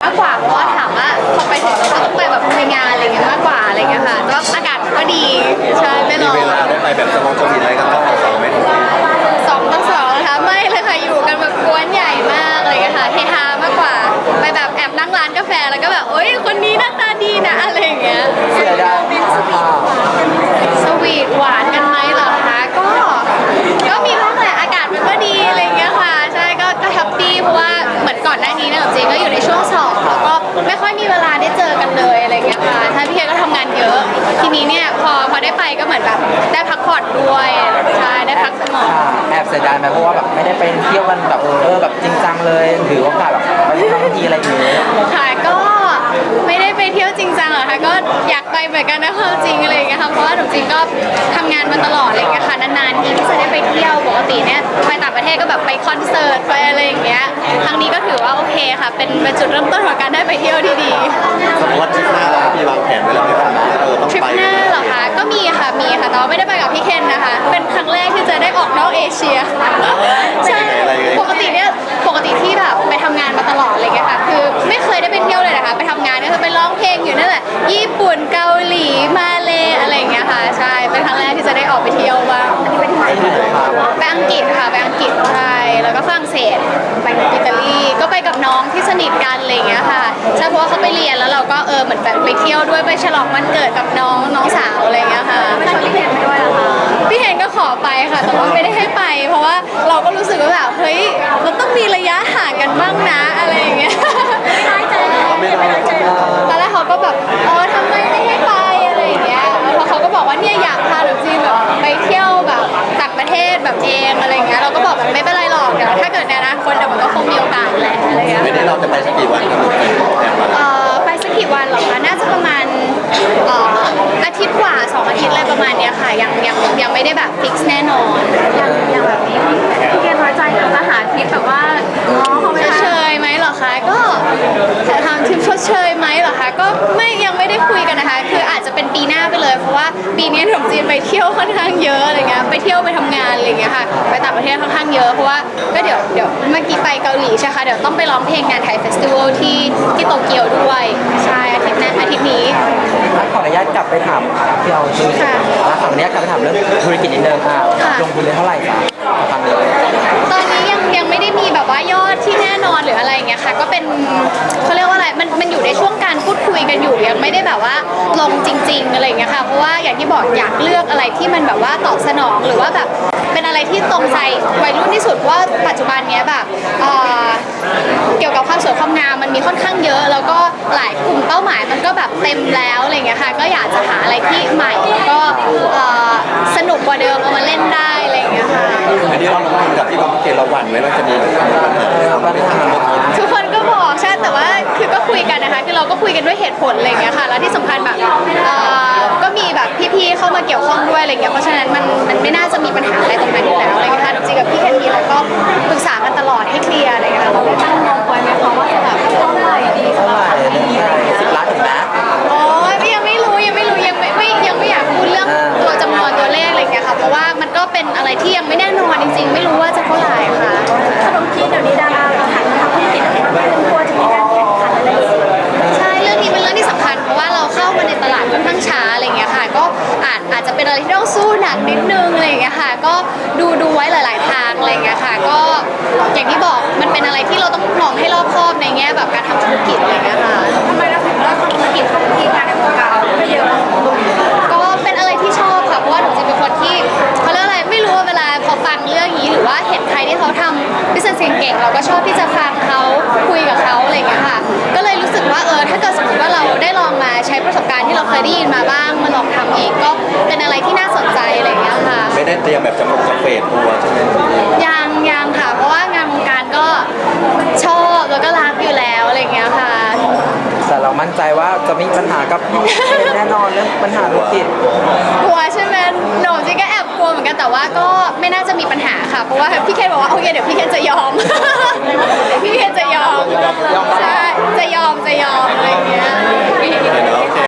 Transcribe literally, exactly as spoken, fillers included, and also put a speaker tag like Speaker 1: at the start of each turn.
Speaker 1: มากกว่าเพราะว่าถามว่าพอไปถึงเราก็ต้องไปแบบคุยงานอะไรเงี้ยมากกว่าอะไรเงี้ยค่ะแต่ว่าอากาศก็ดีใช่ไม่ร้อน
Speaker 2: มีเวลาได้ไปแบบสมองสมิอะไรกันต้องสองไหม
Speaker 1: สองต่อสองนะคะไม่เลยค่ะอยู่กันแบบกวนใหญ่มากอะไรเงี้ยค่ะเฮฮามากกว่าไปแบบแอบนั่งร้านกาแฟแล้วก็แบบโอ๊ยคนนี้หน้าตาดีนะอะไรอย่างเงี้ย
Speaker 3: เสียดายสภาพ
Speaker 1: สวีทหวานกันไหมเหรอคะก็ก็มีบ้างแหละอากาศมันก็ดีอะไรเงี้ยค่ะใช่ก็ก็แฮปปี้เพราะว่าเหมือนก่อนหน้านี้เนี่ยจริงก็อยู่ในช่วงสอบแล้วก็ไม่ค่อยมีเวลาได้เจอกันเลยอะไรเงี้ยค่ะถ้าพี่เคก็ทำงานเยอะทีนี้เนี่ยพอพอได้ไปก็เหมือนแบบได้พักผ่อนด้วยใช่ได้พักสมอง
Speaker 3: แอบเสียดายไหมเพราะว่าแบบไม่ได้ไปเที่ยวกันแบบเออแบบจริงจังเลยถือโอกาสแบบไปท่องที่อะไรอย่างเงี้ย
Speaker 1: ค่ะก็ไม่ได้ไปเที่ยวจริงจังหรอกค่ะก็อยากไปเหมือนกันนะความจริงอะไรอย่างเงี้ยค่ะเพราะว่าหนูจริงก็ทำงานมาตลอดอะไรอย่างเงี้ยค่ะนานๆทีที่จะได้ไปเที่ยวปกติเนี่ยไปต่างประเทศก็แบบไปคอนเสิร์ตไปอะไรอย่างเงี้ยครั้งนี้ก็ถือว่าโอเคค่ะเป็นเป็นจุดเริ่มต้นของการได้ไปเที่ยวที่ดี
Speaker 2: สมมติว่าทริปหน้าเรามีวางแผนไว้แล้วไหมครับเออต้อง
Speaker 1: ทริป
Speaker 2: ไป
Speaker 1: หน้าเหรอคะก็มีค่ะมีค่ะแต่ว่าไม่ได้ไปกับพี่เคนนะคะเป็นครั้งแรกที่จะได้ออกนอกเอเชียใช่ปกติเนี่ยปกติที่แบบไปทำงานมาตลอดอะไรอย่างเงี้ยค่ะคือไม่เคยได้ไปเที่ยวเลยนะคะไปทำงานก็คือไปร้องเพลงอยู่นั่นแหละญี่ปุ่นเกาหลีมาเลอะไรอย่างเงี้ยค่ะใช่เป็นครั้งแรกที่จะได้ออกไปเที่ยวบ้างอันนี้ไปที่ไหนไปอังกฤษค่ะไปอังกฤษใช่แล้วก็ฝรั่งเศสไปกับอิตาลีก็ไปกับน้องที่สนิทกันอะไรอย่างเงี้ยค่ะใช่เพราะว่าเขาไปเรียนแล้วเราก็เออเหมือนแบบไปเที่ยวด้วยไปฉลองวันเกิดกับน้องน้องสาวอะไรอย่างเงี้ยค่ะไม่ชวนพี่เคนไปด้วยเหรอคะพี่เคนก็ขอไปค่ะแต่ว่าไม่ได้ให้ไป เพราะว่าเราก็รู้สึกว่าแบบเฮ้ยเราต้องมีระยะห่างกันบ้างนะอะไรอย่างเงี้ยไม่ได้ใจไม่ได้ใจตอนแรกเขาก็แบบเออทำไมไม่ให้ไปอะไรอย่างเงี้ยแล้วพอเขาก็บอกว่าเนี่ยอยากพาหนูจีแบบไปเที่ยวแบบต่างประเทศแบบเองอะไรอย่างเงี้ยเราก็บอกแบบไม่เป็นไรหรอกเดี๋ยวถ้าเกิดในอนาคตเดี๋ยวมันก็คงมีโอกาสแหละอะไรอย่างเงี้ย
Speaker 2: ไม่ได้เราจะไปสักกี่วันครับแอบมา
Speaker 1: เอ่อไปสักกี่วันเหรอคะน่าจะประมาณเอ่ออาทิตย์กว่าสองอาทิตย์อะไรประมาณเนี้ยค่ะยังยังยังไม่ได้แบบฟิกซ์แน่นอนยังยังแบบนี้พี่เกณฑ์น้อยใจจะหาทริปแบบว่าง้อเขาไม่เชยไหมเหรอคะก็ทำทริปชดเชยไหมเหรอคะก็ไม่ยังไม่ได้คุยกันนะคะคืออาจจะเป็นปีหน้าไปเลยเพราะว่าปีนี้หนุ่มจีนไปเที่ยวค่อนข้างเยอะอะไรเงี้ยไปเที่ยวไปทำงานอะไรเงี้ยค่ะไปต่างประเทศค่อนข้างเยอะเพราะว่าก็เดี๋ยวเดี๋ยวเมื่อกี้ไปเกาหลีใช่ค่ะเดี๋ยวต้องไปร้องเพลงงานไทยเฟสติวัลที่ที่โตเกียวด้วยใช่อาทิตย์หน้าอาทิตย์นี้
Speaker 3: ขออนุญาตกลับไปถามพี่เอาชื่อขออนุญาตกลับไปถามเรื่องธุรกิจนิดนึงค่ะลงทุนได้เท่าไหร่คะทำเลย
Speaker 1: ตอนนี้ยังยังไม่ได้มีแบบว่ายอดที่แน่นอนหรืออะไรอย่างเงี้ยค่ะก็เป็นเขาเรียกว่าอะไรมันมันอยู่ในช่วงการพูดคุยกันอยู่ยังไม่ได้แบบว่าลงจริง ๆอะไรอย่างเงี้ยค่ะเพราะว่าอย่างที่บอกอยากเลือกอะไรที่มันแบบว่าตอบสนองหรือว่าแบบเป็นอะไรที่ตรงใจวัยรุ่นที่สุดว่าปัจจุบันเนี้ยแบบเอ่อเกี่ยวกับความสวยความงามมันมีค่อนข้างเยอะ แล้วก็หลายกลุ่มเป้าหมายมันก็แบบเต็มแล้วอะไรอย่างเงี้ยค่ะก็อยากจะหาอะไรที่ใหม่แล้วก็เอ่อสนุกกว่าเดิมเอามาเล่นได้อะไรอย่างเงี้ยค่ะ
Speaker 2: อันนี้เราลงทุนกับที่บางเกตเราหวั่นไว้ว่าจะมีปัญหาไม่ได้ทำเมื่อกี้
Speaker 1: ทุกคนก็บอกใช่แต่ว่าคือก็คุยกันนะคะคือเราก็คุยกันด้วยเหตุผลอะไรอย่างเงี้ยค่ะแล้วที่สำคัญแบบเอ่อก็มีแบบพี่ๆเข้ามาเกี่ยวข้องด้วยอะไรเงี้ยเพราะฉะนั้นมันมันไม่น่าจะมีปัญหาอะไรตรงนั้นอยู่แล้วอะไรเงี้ยค่ะจริงๆกับพี่แคนดี้เราก็ปรึกษากันตลอดให้เคลียร์อะไรเงี้ยเราได้ตั้งงบไว้ไหมคะว่าจะแบบเท่าไหร่ดี
Speaker 3: เท่าไหร่สิบล้านถึงนะ
Speaker 1: โอ้ยยังไม่รู้ยังไม่รู้ยังไม่ไม่ยังไม่อยากพูดเรื่องตัวจำนวนตัวเลขอะไรเงี้ยค่ะเพราะว่ามันก็เป็นอะไรที่ยังไม่แน่นอนจริงๆไม่รู้ว่าจะเท่าไหร่ค่ะขนมจีนเดี๋ยวนี้ดาราเราหันมาทำธุรกิจอะไรไม่รู้กลัวจะมีการแข่งขันอะไรใช่เรื่องนี้เป็นเรื่องที่สำคัญเพราะว่าเราเข้ามาในตลาดค่อนข้างช้าอะไรเงี้ยค่ะก็อาจอาจจะเป็นอะไรที่ต้องสู้หนักนิดนึงอะไรเงี้ยค่ะก็ดูดูไว้หลาย ๆ ทางอะไรเงี้ยค่ะก็อย่างที่บอกมันเป็นอะไรที่เราต้องมองให้รอบคอบในแง่แบบการทำธุรกิจอะไรเงี้ยค่ะทำไมเราถึงเลือกทำธุรกิจของที่งานในวงการไม่เยอะก็เป็นอะไรที่ชอบค่ะเพราะว่าหนูจริงเป็นคนที่เขาเรียกอะไรไม่รู้ว่าเวลาพอฟังเรื่องนี้หรือว่าเห็นใครที่เขาทำ business เก่งๆเราก็ชอบที่จะฟังเขาคุยกับเขาอะไรเงี้ยค่ะก็เลยรู้สึกว่าเออถ้าเกิดสมมติว่าเราได้ลองมาใช้ประสบการณ์ที่เราเคยได้ยินมาบ้างมาลองทำเองก็เป็นอะไรที่น่าสนใจอะไรเงี้ยค่ะ
Speaker 2: ไม่ได้เตรียมแบบจะลงจะเฟดตัวใช่ไหม
Speaker 1: ยังยังค่ะ เพราะว่างานวงการก็ชอบแล้วก็รักอยู่แล้วอะไรเงี้ยค่ะ
Speaker 3: แต่เรามั่นใจว่าจะไม่มีปัญหากับพี่แน่นอนเรื่องปัญหาธุรกิจ
Speaker 1: กลัวใช่ไหมหนูจริงก็แอบกลัวเหมือนกันแต่ว่าก็ไม่น่าจะมีปัญหาค่ะ เพราะว่าพี่เคนบอกว่าโอเคเดี๋ยวพี่เคนจะยอม พี่เคนจะยอมใช่จะยอมจะยอมอะไรเงี้ย